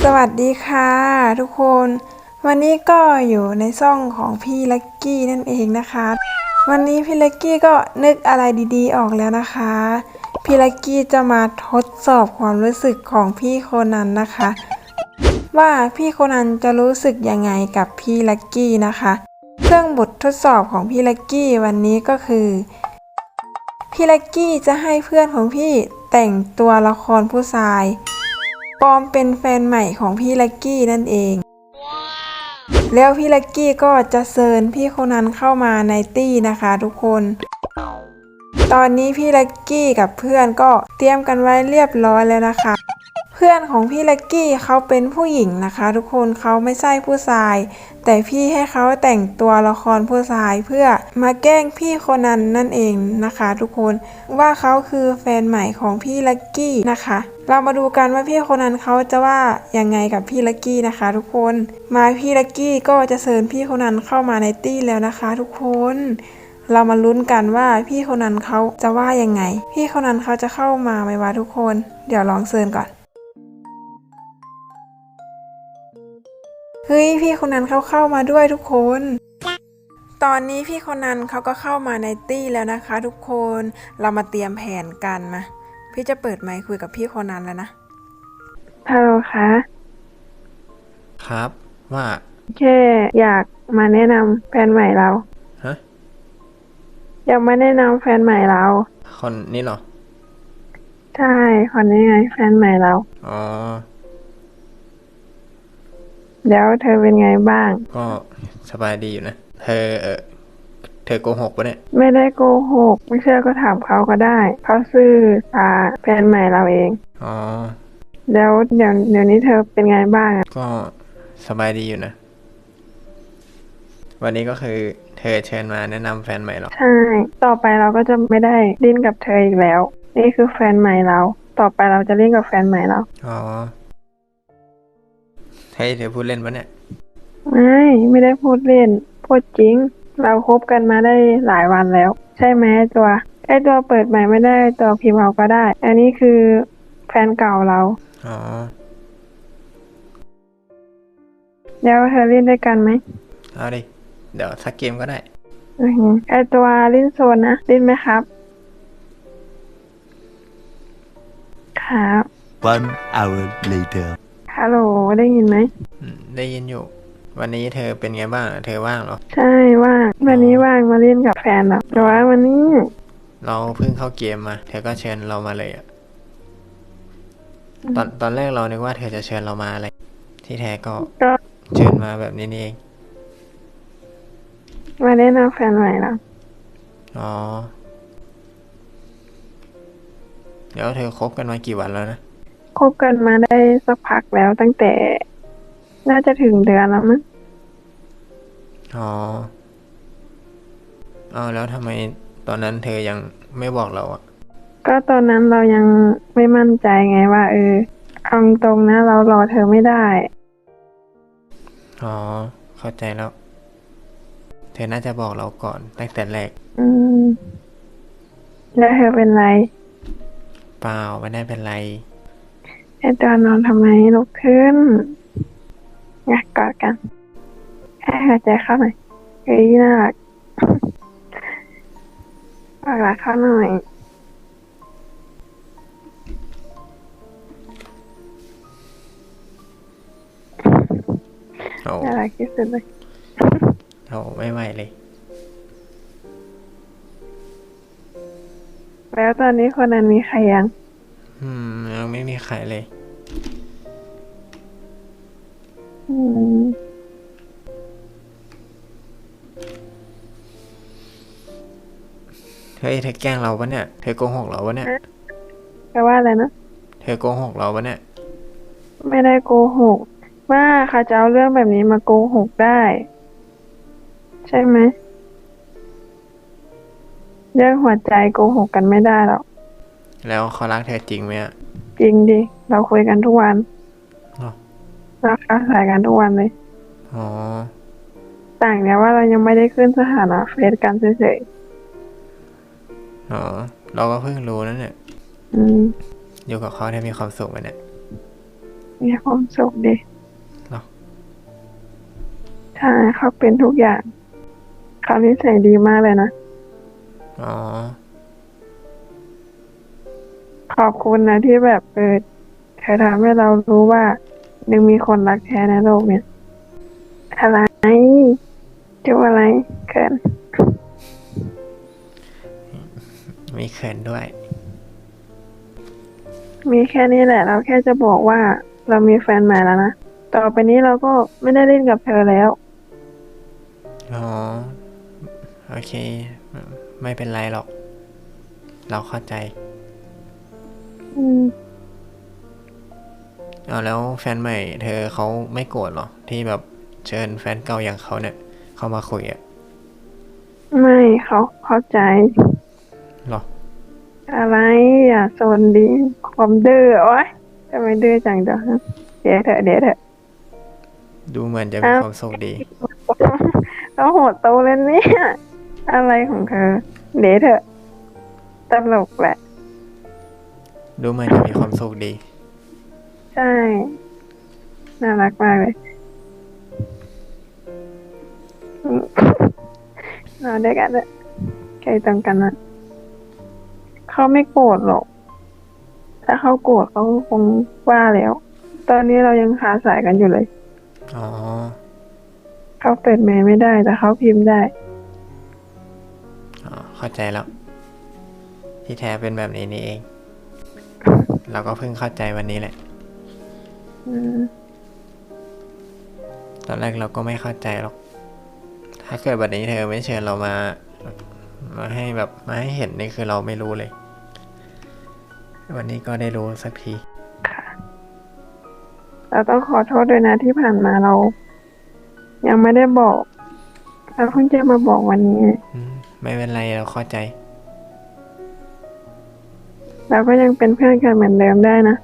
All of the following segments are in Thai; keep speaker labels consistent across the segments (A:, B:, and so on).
A: วัสดีค่ะทุกคนวันนี้ก็อยู่ในช่องของพี่ลักกี้นั่นเองนะคะวันนี้พี่ลักกี้ก็นึกอะไรดีๆออกแล้วนะคะพี่ลักกี้จะมาทดสอบความรู้สึกของพี่โคนันนะคะว่าพี่โคนันจะรู้สึกยังไงกับพี่ลักกี้นะคะเครื่องบททดสอบของพี่ลักกี้วันนี้ก็คือพี่ลักกี้จะให้เพื่อนของพี่แต่งตัวละครผู้ชายปลอมเป็นแฟนใหม่ของพี่ลักกี้นั่นเอง แล้วพี่ลักกี้ก็จะเชิญพี่โคนันเข้ามาในตี้นะคะทุกคน ตอนนี้พี่ลักกี้กับเพื่อนก็เตรียมกันไว้เรียบร้อยแล้วนะคะ เพื่อนของพี่ลักกี้เขาเป็นผู้หญิงนะคะทุกคนเขาไม่ใช่ผู้ชายแต่พี่ให้เขาแต่งตัวละครผู้ชายเพื่อมาแกล้งพี่โคนันนั่นเองนะคะทุกคนว่าเขาคือแฟนใหม่ของพี่ลักกี้นะคะเรามาดูกันว่าพี่โคนันเขาจะว่ายังไงกับพี่ลักกี้นะคะทุกคนมาพี่ลักกี้ก็จะเชิญพี่โคนันเข้ามาในตี้แล้วนะคะทุกคนเรามาลุ้นกันว่าพี่โคนันเขาจะว่ายังไงพี่โคนันเขาจะเข้ามาไหมวะทุกคนเดี๋ยวลองเชิญก่อนเฮ้ยพี่คนนั้นเขาเข้ามาด้วยทุกคน ตอนนี้พี่คนนั้นเขาก็เข้ามาในตี้แล้วนะคะทุกคน เรามาเตรียมแผนกันมาพี่จะเปิดไมค์คุยกับพี่คนนั้นแล้วนะฮัลโหลคะ
B: ครับว่า
A: แค่อยากมาแนะนำแฟนใหม่เรา
B: ฮะ
A: อยากมาแนะนำแฟนใหม่เรา
B: คนนี้เหรอ
A: ใช่คนนี้ไงแฟนใหม่เรา
B: อ๋อ
A: แล้วเธอเป็นไงบ้าง
B: ก็สบายดีอยู่นะเธอโกหกปะเนี่ย
A: ไม่ได้โกหกไม่เชื่อก็ถามเขาก็ได้เขาซื่อแฟนใหม่เราเอง
B: อ๋อ
A: แล้วเดี๋ยวนี้เธอเป็นไงบ้าง
B: ก็สบายดีอยู่นะวันนี้ก็คือเธอเชิญมาแนะนำแฟนใหม่หรอ
A: ใช่ต่อไปเราก็จะไม่ได้เล่นกับเธออีกแล้วนี่คือแฟนใหม่เราต่อไปเราจะเล่นกับแฟนใหม่เรา
B: อ๋อเฮ้ยเธอพูดเล่นปะเนี่ย
A: ไม่ได้พูดเล่นพูดจริงเราคบกันมาได้หลายวันแล้วใช่ไหมไอตัวเปิดใหม่ไม่ได้ตัวพิมพ์เอาก็ได้อันนี้คือแฟนเก่าเรา
B: อ๋อ
A: แล้วเธอเล่นด้วยกันไหม
B: เอาดิเดี๋ยวสักเกมก็ได้
A: ไอตัวเล่นโซนนะเล่นไหมครับครับ
C: One hour later
A: ฮัลโหลได้ยินไหม
B: ได้ยินอยู่วันนี้เธอเป็นไงบ้างเธอว่างเหรอ
A: ใช่ว่างวันนี้ว่างมาเล่นกับแฟนหรอแต่ว่าวันนี้
B: เราเพิ่งเข้าเกมมาเธอก็เชิญเรามาเลยอะตอนแรกเรานึกว่าเธอจะเชิญเรามาอะไรที่แท้ก็เชิญมาแบบนี้นี่เอง
A: มาแนะนำแฟนใหม่แล้ว
B: อ๋อเดี๋ยวเธอคบกันมากี่วันแล้วนะ
A: คบกันมาได้สักพักแล้วตั้งแต่น่าจะถึงเดือนแล้วมั้ง
B: อ๋อเอาแล้วทำไมตอนนั้นเธอยังไม่บอกเราอ่ะ
A: ก็ตอนนั้นเรายังไม่มั่นใจไงว่าเอาตรงนะเรารอเธอไม่ได้
B: อ๋อเข้าใจแล้วเธอน่าจะบอกเราก่อนตั้งแต่แรก
A: แล้วเธอเป็นไร
B: เปล่าไม่ได้เป็นไร
A: ไอตอนนอนทำไมลุกขึ้นอยากกอดกันให้หายใจเข้าหน่อยเฮ้ยน่ารักรักเข้าหน่อยน่ารักที่สุดเลย
B: โอ้ไม่ไหวเลย
A: แล้วตอนนี้คนนั้นมีใครยัง
B: ยังไม่มีใครเลยเฮ้ยเธอแกล้งเราปะเนี่ยเธอโกหกเราปะเนี่ย
A: แปลว่าอะไรนะ
B: เธอโกหกเราปะเนี่ย
A: ไม่ได้โกหกว่าเขาจะเอาเรื่องแบบนี้มาโกหกได้ใช่ไหมเรื่องหัวใจโกหกกันไม่ได้หรอก
B: แล้วเขารักเธอจริงไหมอ่ะ
A: จริงดิเราคุยกันทุกวันเราค้าสายกันทุกวันเลย
B: อ๋อ
A: ต่างเนี่ยว่าเรายังไม่ได้ขึ้นสถานะเฟซกันเฉย
B: ๆอ๋อเราก็เพิ่งรู้นั่นเนี่ยอยู่กับเขาเธอมีความสุขไหมเนี่ย
A: มีความสุขดี
B: เนาะ
A: ใช่เขาเป็นทุกอย่างเขานิสัยดีมากเลยนะ
B: อ๋อ
A: ขอบคุณนะที่แบบเธอทำให้เรารู้ว่ายังมีคนรักแท้ในโลกเนี่ย อะไรจุบอะไรเกิน
B: มีเขินด้วย
A: มีแค่นี้แหละ เราแค่จะบอกว่าเรามีแฟนใหม่แล้วนะ ต่อไปนี้เราก็ไม่ได้เล่นกับเธอแล้ว
B: อ๋อ โอเค ไม่เป็นไรหรอก เราเข้าใจ
A: อืม
B: เอาแล้วแฟนใหม่เธอเขาไม่โกรธหรอ ที่แบบเชิญแฟนเก่าอย่างเขาเนี่ย เข้ามาคุยอะ
A: ไม่เขาเข้าใจ
B: หรอ
A: อะไรอ่ะโซนดีความดื้อโอ๊ยทำไมดื้อจังเดี๋ยวเดี๋ยวเถอะเดี๋ยวเถอะ
B: ดูเหมือนจะมีความสุขดี
A: เราโหดโตเลยเนี่ย อะไรของเธอ เดี๋ยวเถอะตลกแหละ
B: ดูเหมือนจะมีความสุขดี
A: ใช่ น่ารักมากเลยอืมนอนด้วยกันเลยใครตรงกันนะเขาไม่โกรธหรอก ถ้าเขาโกรธเขาคงว่าแล้ว ตอนนี้เรายังคาสายกันอยู่เลย
B: อ๋อ
A: เขาเปิดเมล์ไม่ได้แต่เขาพิมพ์ได้
B: อ๋อ เข้าใจแล้ว ที่แท้เป็นแบบนี้นี่เอง เราก็เพิ่งเข้าใจวันนี้แหละ
A: อืม
B: ตอนแรกเราก็ไม่เข้าใจหรอก ถ้าเกิดวันนี้เธอไม่เชิญเรามาให้แบบมาให้เห็นนี่คือเราไม่รู้เลย วันนี้ก็ได้รู้สักที
A: เราต้องขอโทษด้วยนะที่ผ่านมาเรา ยังไม่ได้บอก เราเพิ่งจะมาบอกวันนี้
B: ไม่เป็นไรเราเข้าใจ
A: เราก็ยังเป็นเพื่อนกันเหมือนเดิมได้นะ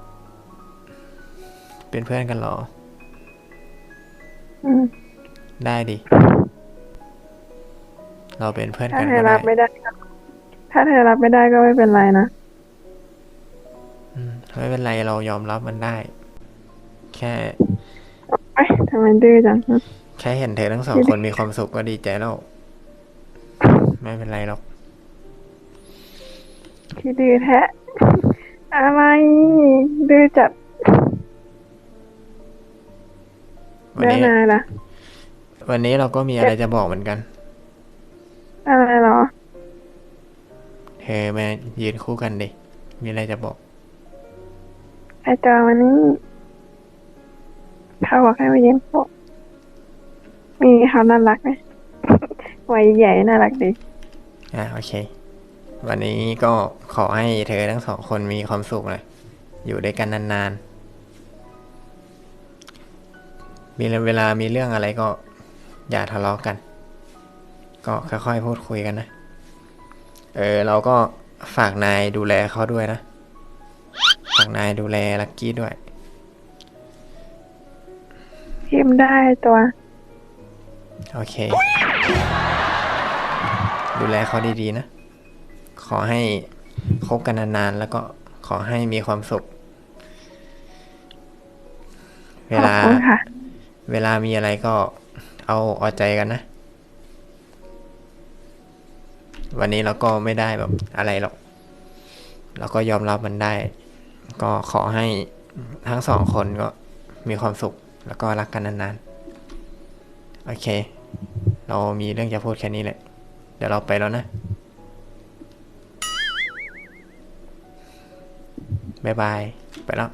B: เป็นเพื่อนกันเหรอ
A: อืม
B: ได้ดิ เราเป็นเพื่อน
A: ถ้า
B: กัน
A: เธ
B: ก็
A: อ
B: ได้
A: รับไม่ได้ก็ถ้าเธอรับไม่ได้ก็ไม่เป็นไรนะ
B: ไม่เป็นไรเรายอมรับมันได้ แค่
A: เอ้ยทำไมดื้อจัง
B: แค่เห็นเธอทั้งสองคนมีความสุขก็ดีใจแล้ว ไม่เป็นไรหรอก
A: ที่ดื้อแท้ อะไร ดื้อจัด
B: วัน
A: เดิน
B: นี้
A: นายล่ะ
B: วันนี้เราก็มีอะไรจะบอกเหมือนกัน
A: อะไรเหรอ
B: เธอมายืนคู่กันดิ มีอะไรจะบอก
A: ไอจอวันนี้เขาบอกให้มายืนโป๊ะมีเขาน่ารักไหม วัยใหญ่น่ารักดี
B: โอเค วันนี้ก็ขอให้เธอทั้งสองคนมีความสุขเลยอยู่ด้วยกันนานๆ มีเวลามีเรื่องอะไรก็อย่าทะเลาะกัน ก็ค่อยๆพูดคุยกันนะ เราก็ฝากนายดูแลเขาด้วยนะ ฝากนายดูแลลักกี้ด้วย
A: พิมพ์ได้ตัว
B: โอเค ดูแลเขาดีๆนะ ขอให้คบกันนานๆ แล้วก็ขอให้มีความสุข เว
A: ขอบ
B: ลา
A: คุณค่ะ
B: เวลามีอะไรก็เอาใจกันนะ วันนี้เราก็ไม่ได้แบบอะไรหรอก เราก็ยอมรับมันได้ ก็ขอให้ทั้งสองคนก็มีความสุข แล้วก็รักกันนานๆ โอเค เรามีเรื่องจะพูดแค่นี้แหละ เดี๋ยวเราไปแล้วนะ บ๊ายบาย ไปแล้ว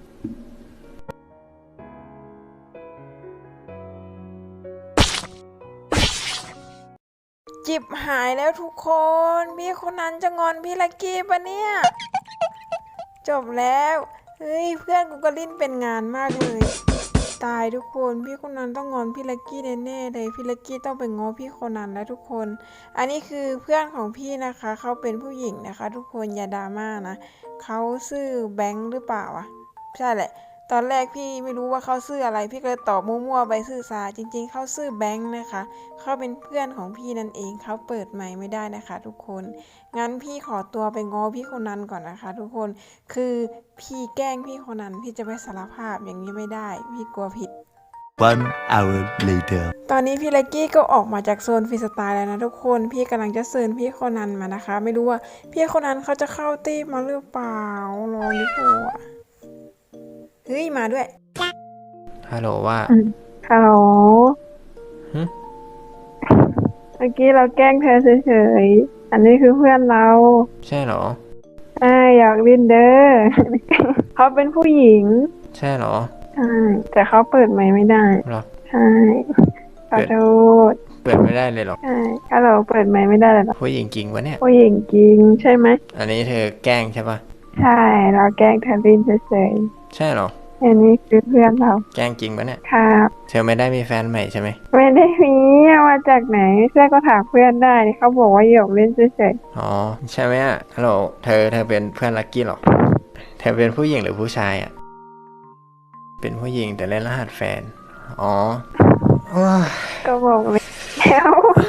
A: จิบหายแล้วทุกคน พี่คนนั้นจะงอนพี่ลักกี้ปะเนี่ย จบแล้ว เฮ้ยเพื่อนกูก็ลิ้นเป็นงานมากเลย ตายทุกคนพี่คนนั้นต้องงอนพี่ลักกี้แน่ๆเลยพี่ลักกี้ต้องไปง้อพี่คนนั้นแล้วทุกคน อันนี้คือเพื่อนของพี่นะคะเขาเป็นผู้หญิงนะคะ ทุกคนอย่าดราม่านะเขาชื่อแบงค์หรือเปล่าอ่ะใช่แหละตอนแรกพี่ไม่รู้ว่าเขาชื่ออะไรพี่ก็เลยตอบมั่วๆไปชื่อซาจริงๆเขาชื่อแบงค์นะคะเขาเป็นเพื่อนของพี่นั่นเองเขาเปิดไมค์ไม่ได้นะคะ ทุกคนงั้นพี่ขอตัวไปง้อพี่คนนั้นก่อนนะคะ ทุกคนคือพี่แกล้งพี่คนนั้นพี่จะไปสารภาพอย่างนี้ไม่ได้พี่กลัวผิด
C: 1 hour later.
A: ตอนนี้พี่เล็กกี้ก็ออกมาจากโซนฟรีสไตล์แล้วนะทุกคนพี่กำลังจะเชิญพี่คนนั้นมานะคะ ไม่รู้ว่าพี่คนนั้นเขาจะเข้าตีมาหรือเปล่ารออยู่ปะเฮ้ยมาด้วย
B: ฮัลโหลว่า
A: ฮัลโหล
B: หึ
A: เมื่อกี้เราแกล้งเธอเฉยๆอันนี้คือเพื่อนเรา
B: ใช่เหรอ
A: อยากลินเด้อ เขาเป็นผู้หญิง
B: ใช่เหรอ
A: ใช่แต่เขาเปิดไมค์ไม่ได้
B: เหรอ
A: ใช่ขอโทษ
B: เปิดไม่ได้เลยเหรอ
A: ใช่ฮัลโหลเปิดไมค์ไม่ได้เลยเหรอ
B: ผู้หญิงจริงวะเนี่ย
A: ผู้หญิงจริงใช่ไหม
B: อันนี้เธอแกล้งใช่ปะ
A: ใช่เราแกล้งเธอลินเฉย
B: ใช่เหรอ
A: ๆอันนี้คือเพื่อนเรา
B: แกล้งจริงปะเนี่ย
A: ครับ
B: เธอไม่ได้มีแฟนใหม่ใช่ไหม
A: ไม่ได้มีเอามาจากไหนเพื่อนก็ถามเพื่อนได้เขาบอกว่าหยอกเล่นเฉย
B: อ๋อ ใช่ไหมอ่ะ ฮัลโหล เธอเป็นเพื่อนลักกี้เหรอ เธอเป็นผู้หญิงหรือผู้ชายอ่ะ เป็นผู้หญิงแต่เล่นรหัสแฟน อ๋อโอ้ย
A: ๆก็บอกแล้ว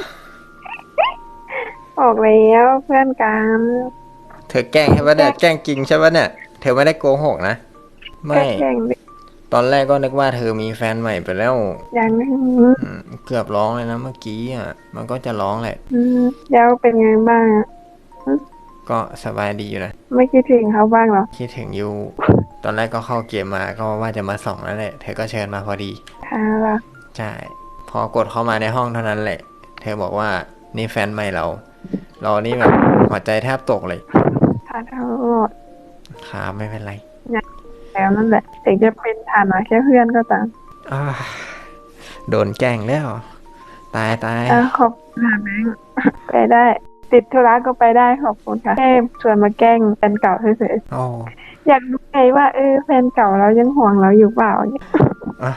A: บอกแล้วเพื่อนกัน
B: เธอแกล้งใช่ปะเนี่ย แกล้งจริงใช่ปะเนี่ย เธอไม่ได้โกหกนะ ไม่
A: ก็แข่งดิ
B: ตอนแรกก็นึกว่าเธอมีแฟนใหม่ไปแล้ว
A: อย่างนี้
B: เกือบร้องเลยนะเมื่อกี้อ่ะ มันก็จะร้องแหละ
A: แล้วเป็นไงบ้างอะ
B: ก็สบายดีอยู่นะ
A: ไม่คิดถึงเขาบ้างเหรอ
B: คิดถึงอยู่ ตอนแรกก็เข้าเกมมาก็ว่าจะมาส่องแล้วแหละ เธอก็เชิญมาพอดี
A: ค่ะล่ะ
B: ใช่ พอกดเข้ามาในห้องเท่านั้นแหละ เธอบอกว่านี่แฟนใหม่เรา เรานี่แบบหัวใจแทบตกเลย
A: ขอโทษ
B: ครับไม่เป็นไร
A: แล้วนั่นแหละถึงจะเป็นฐานะแค่เพื่อนก็ตาม
B: อ่าโดนแกล้งแล้ว ตาย
A: ขอบคุณค่ะแบงค์ไปได้ ติดธุระก็ไปได้ขอบคุณค่ะแค่ชวนมาแกล้งแฟนเก่าเฉย
B: โอ้
A: ๆอยากรู้ไงว่าแฟนเก่าเรายังห่วงเราอยู่เปล่าเนี่ย
B: อ่ะ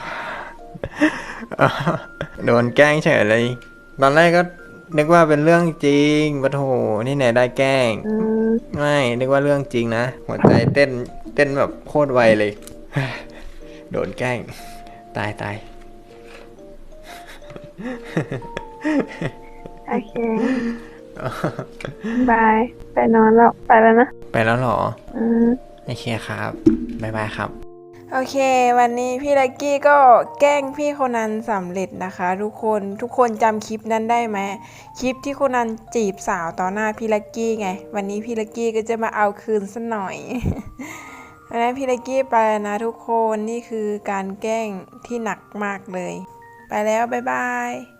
B: โดนแกล้งเฉยเลย ตอนแรกก็นึกว่าเป็นเรื่องจริงปะโถนี่ไหนได้แกล้ง ไม่นึกว่าเรื่องจริงนะ หัวใจเต้นแบบโคตรไวเลย โดนแกล้ง ตาย
A: โอเค บาย ไปนอนแล้ว ไปแล้วนะ
B: ไปแล้วเหรอ
A: อืม
B: โอเคครับบ๊ายบายครับ
A: โอเค วันนี้พี่ลักกี้ก็แกล้งพี่คนนั้นสำเร็จนะคะ ทุกคนจำคลิปนั้นได้ไหมคลิปที่คนนั้นจีบสาวต่อหน้าพี่ลักกี้ไง วันนี้พี่ลักกี้ก็จะมาเอาคืนซะหน่อย วันนี้พี่ลักกี้ไปแล้วนะทุกคนนี่คือการแกล้งที่หนักมากเลย ไปแล้วบ๊ายบาย